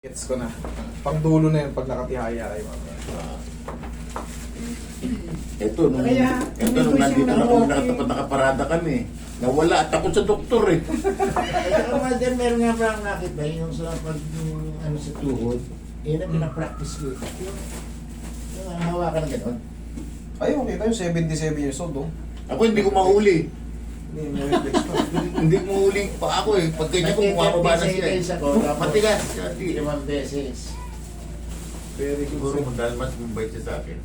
Gets ko na. Pangdulo na yun pag nakatihaya kayo. Ito, nung nandito na kami, nakaparada kami. Nawala at ako sa doktor eh. Ito nga din, meron nga parang nakita yung sa pag ano sa tuhod, yun ang pinapractice ko. Yung hawakan na gano'n. Ay, okay tayo. 77 years old, oh. Ako hindi ko mahuli. Hindi, may reflex pa. Hindi ko mahuli pa ako eh. Pag ganyan ko, bumababa na siya eh. Matigas. Hindi, 5 beses. Very good. Siguro mo dahil mas mabait siya sa akin.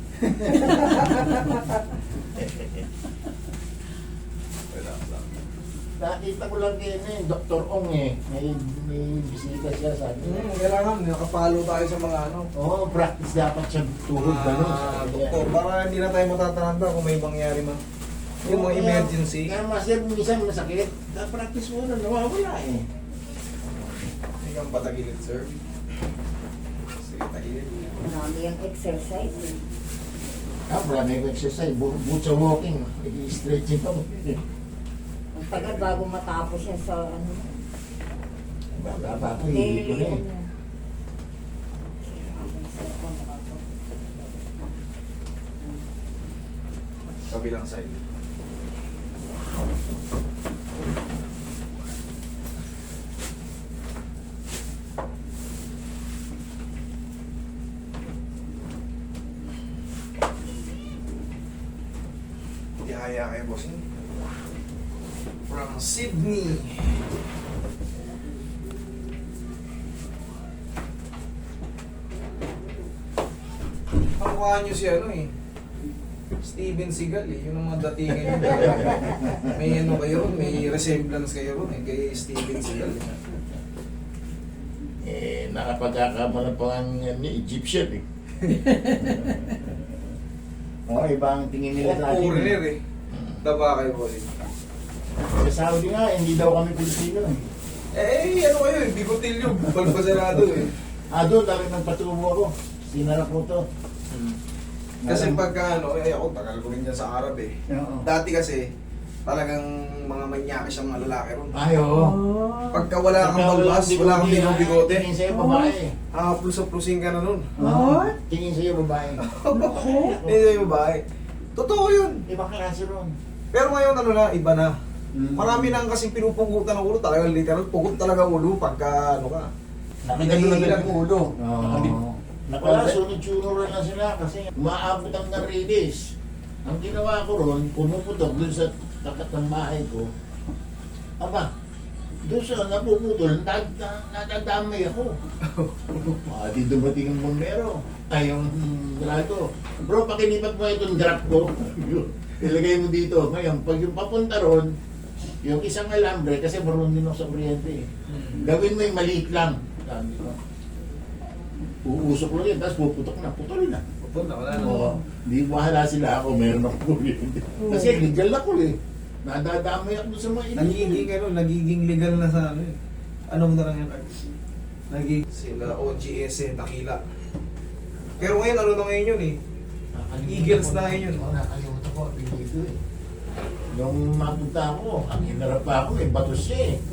Relax lang. Nakita ko lang din eh, Dr. Ong eh. May bisita siya sa akin. Kailangan, nakapalo tayo sa mga ano. Oo, practice dapat siya tuhod gano'n. Doktor, para hindi na tayo matataranta kung may mangyari man. Yung mga emergency. Kaya master, minsan masakit. Practice mo na, nawawala eh. Hindi kang patagilid, sir. Sige, tagilid. Marami yung exercise. Eh. Marami ko exercise. Bukod sa walking, i-stretching pa mo. Ang tagal bago matapos yan sa ano. Baba ko, hindi ko na eh. Kabilang side. Tihaya kayo, bossing. From Sydney. Ang mukha nyo si ano eh. Steven Seagal eh. Yun ang mga datingan nyo. May ano kayo ron, may resemblance kayo ron eh. Kay Steven Seagal eh. Nakapagkakamala pa ang Egyptian eh. Oo, ibang tingin nila sa atin. Foreigner eh. Daba kayo, bossing. Sa Saudi nga, hindi daw kami Pilipino eh. Eh, ano kayo eh. Bigotilyo. Balbasarado eh. Doon, dami nagpatubo ako. Sinara ko to. Kasi pagka ano, eh ako tagal ko rin dyan sa Arab eh. Oo. Dati kasi, talagang mga manyakis ang mga lalaki ron. Ay, oo. Pagka wala kang balbas, wala kang bigote, Tingin sa'yo babae. plus-plusin ka na nun. Oo. Tingin sa'yo babae. Hindi sa'yo babae. Totoo yun. Ibang klase ron. Pero ngayon ano na, iba na. Mm. Marami nang kasing pinupugutan ng ulo. Talagang literal, pugot talaga ulo pagka ano ka. Nakagano na yung ulo. Oo. Wala, sunod-sunod na sila kasi umaabot ang narilis. Ang ginawa ko ron, pumuputok dun sa takat ng bahay ko. Aba, doon sa napuputol, nadadamay ako. Di dumating ang bombero. Ay, yung grado. Bro, pakilipat mo itong drop ko. Ilagay mo dito. Ngayon, pag yung papunta ron, yung isang alambre, kasi marunong din ako sa kuryente eh. Gawin mo yung maliit lang. Sabi ko. Uusok lang yun, tapos puputok na, putol na. Pupun na, wala na. Oo. Di bahala sila ako, meron ako kuryente. Kasi legal ako eh. Nadadamay ako doon sa mga Nagiging legal na sa ano eh. Anong na lang yan? Sila OGS eh, Takila. Pero ngayon, ano na ngayon yun eh. Eagles na ngayon yun. Oo, nakalimutan ko, dito eh. Nung mapunta ako, ang hinarap pa ako eh, bato siya eh.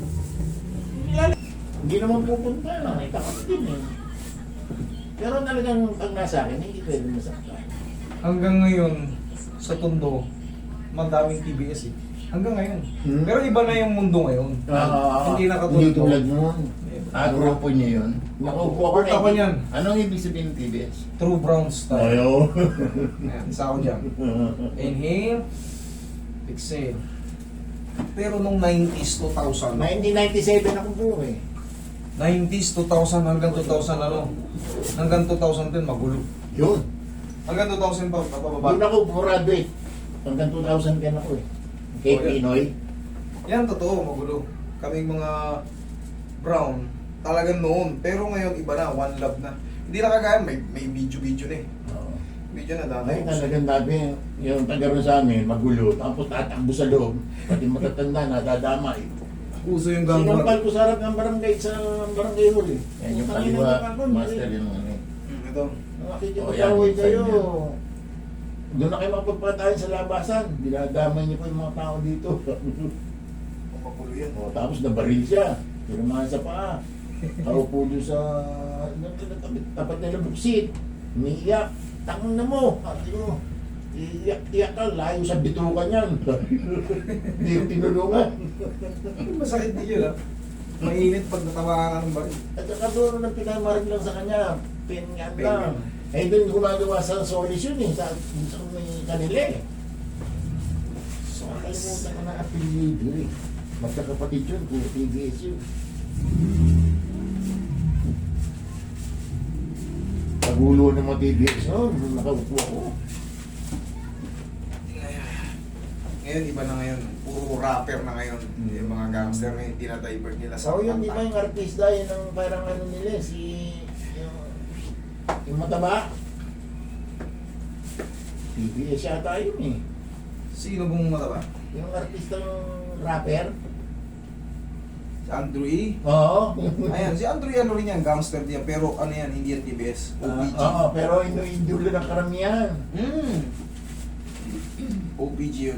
Hindi naman pupunta, nakita ko din eh. Pero talagang pag nasa akin, hindi pwede masaktan. Hanggang ngayon, sa Tondo, madaming TBS eh. Hanggang ngayon. Hmm? Pero iba na yung mundo ngayon. Hindi na katulad. Hindi tulad noon. Grupo niya yun. Nakupo ako Part ako niyan. Anong ibig sabihin ng TBS? True brown style. Ayaw. Ayan, isa ako dyan. Inhale. Exhale. Pero nung 90s, 2000. 1997 ako po eh. 90s, 2000 hanggang 2000 ano. Hanggang 2010 magulo. Yun. Hanggang 2000 pa, papababa. Doon ako graduate. Hanggang 2010 ako eh. Kay Oh, yeah. Pinoy. Yan, totoo, magulo. Kaming mga brown, talagang noon. Pero ngayon, iba na, one love na. Hindi na kagaya, may video-video na eh. Video na dami. Ay, talagang dami yung taga ron sa amin, magulo. Tapos tatakbo sa loob. Pati matatanda na, dadamay. Uso yung gangwar. Sinampal ko sa harap ng barangay sa barangay hall eh. Yan yung Tangina kaliwa, na ako, master yun. Ano. Ito. Nakikipag-away yan, kayo. side yan. Doon na kayo magpapatayin sa labasan. Dinadamay niyo po yung mga tao dito. Magulo yan. Tapos nabaril siya. Pinumahan sa paa. Kaupo doon sa tapat nila buksit. Umiiyak. Tangon na mo. Ate mo. Iyak ka. Layo sa bitukan yan. Hindi yung tinulungan. Masakit din yun, ah. Mainit pag natawa ka ng baril. At saka doon nang pinamarin lang sa kanya. Pingan Pingan. lang. Eh doon gumagawa sa solution eh. Sa may kanila eh. So, nakalimutan ko na apelido eh. Magkakapatid yun, puro TBS yun. Pagulo ng mga TBS noon, nakaupo ako. Ngayon, iba na ngayon. Puro rapper na ngayon. Yung mga gangster ngayon, dinadivert nila sa So yun, di ba kanta. yung artista yun ang parang ano nila, yung mataba. TBS yata yun eh. Sino bang mataba? Yung artista yung rapper. Si Andrew E. Oo. Ayan, si Andrew E. ano rin yan, gangster din yan. Pero ano yan, hindi yan TBS. OPG. Oo, pero inulo ng karamihan. OPG yun.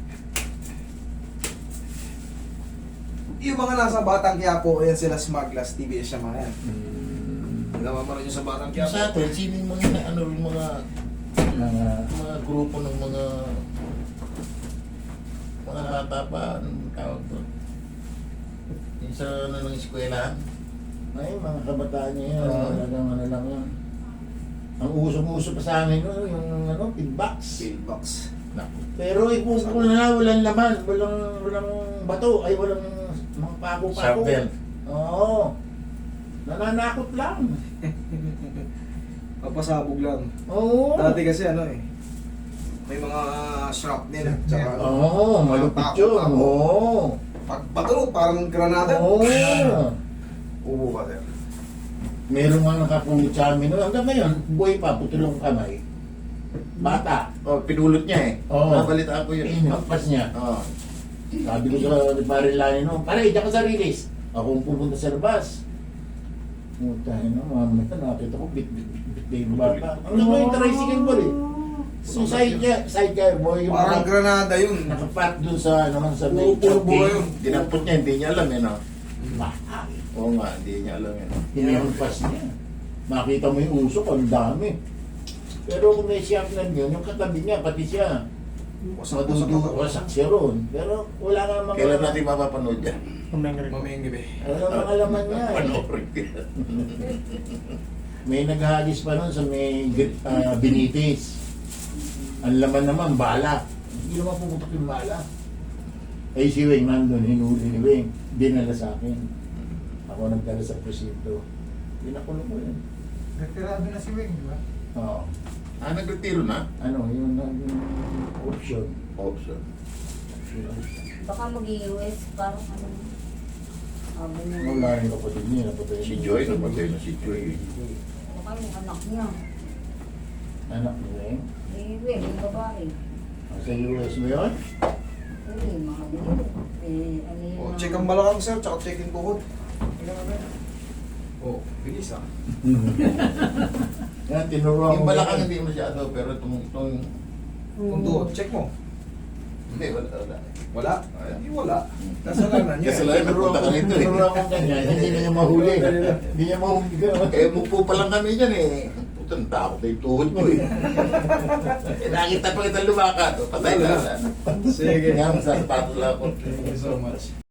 Yung mga nasa Batang Quiapo, ayan sila Smugglers, TBS siya mga yan. Nagawa mo rin yung sa Batang Yung Quiapo. sa atin, sino yung mga, ano, yung mga grupo ng mga bata pa, anong tawag doon? Yung sa ano ng eskwelahan. Ay, mga kabataan niya yan, talagang ano lang yan. Ang uso-uso pa sa amin, no, yung ano, feedbacks. Pillbox. Pero ipupul na, walang laman, walang bato, ay walang mga pako-pako. Shovel. Oo. Nananakot lang. Papasabog lang. Oo. Dati kasi ano eh, may mga shrapnel. Tsaka, Oo, malupit yun. Oo. Pag patulog, parang granada. Oo. Ubo ka, sir. Meron nga nakapulot sa amin. Hanggang ngayon, buhay pa, putulong kamay. Bata. Oh, pinulot niya eh. Oo. Nabalitaan ko yun. Inhampas niya. Oo. Sabi ko sa pare Lani, no, pare, diyan ka sa release. Ako ang pupunta sa labas. Putay na, mamaya nakita ko, bit yung bata. Ang ganda yung tricycle ball eh. So side car boy, yung Parang granada yun. nakapat dun sa, ano, sa may Puro buhay yun. Dinampot niya, hindi niya alam eh, no? Bata. Oo nga, hindi niya alam yun. Hinampas niya. Makita mo yung usok, ang dami. Pero kung may siyapnan yun, yung katabi niya, pati siya. Wasak siya ron. Pero wala nga mga... Kailan natin mapapanood yan? Mamayang gabi. Wala mga laman niya eh. Panoorin ko yan. May naghagis pa nun sa may Binitis. Ang laman naman, bala. Hindi naman pumutok yung bala. Eh si Weng nandun, hinuli ni Weng. Dinala sa akin. Ako nagdala sa presinto. Pinakulong ko yun. Nagtirado na si Wing, di ba? Oo. Ah, nagretiro na? Ano, yung option. Option. Baka mag-US, parang ano. Sabi niya. Wala rin kapatid niya. Napatay Si niya. Joy, napatay na si Joy. Baka yung anak niya. Anak ni Weng. Will, yung babae. Sa US mo yun? Uy, mga dito. Ano yun? Oh, check ang balakang, sir, tsaka check in tuhod. Oh, bilis ah. Yan, tinuruan Yung ko. balakang hindi masyado, pero itong... Kung tuhod, check mo. Hindi, wala. Wala? Hindi wala. Kasalanan niya. Kasalanan. Tinuruan Napunta ka rito eh. tinuruan ko ganyan. Hindi na niya mahuli. Hindi niya mahuli. Eh, mupo pa lang kami dyan eh. Putang takot na yung tuhod ko eh. Eh, nakita pa kita lumakad. Patay na. Sige. Nga, sa sapatos lang ako. Thank you so much.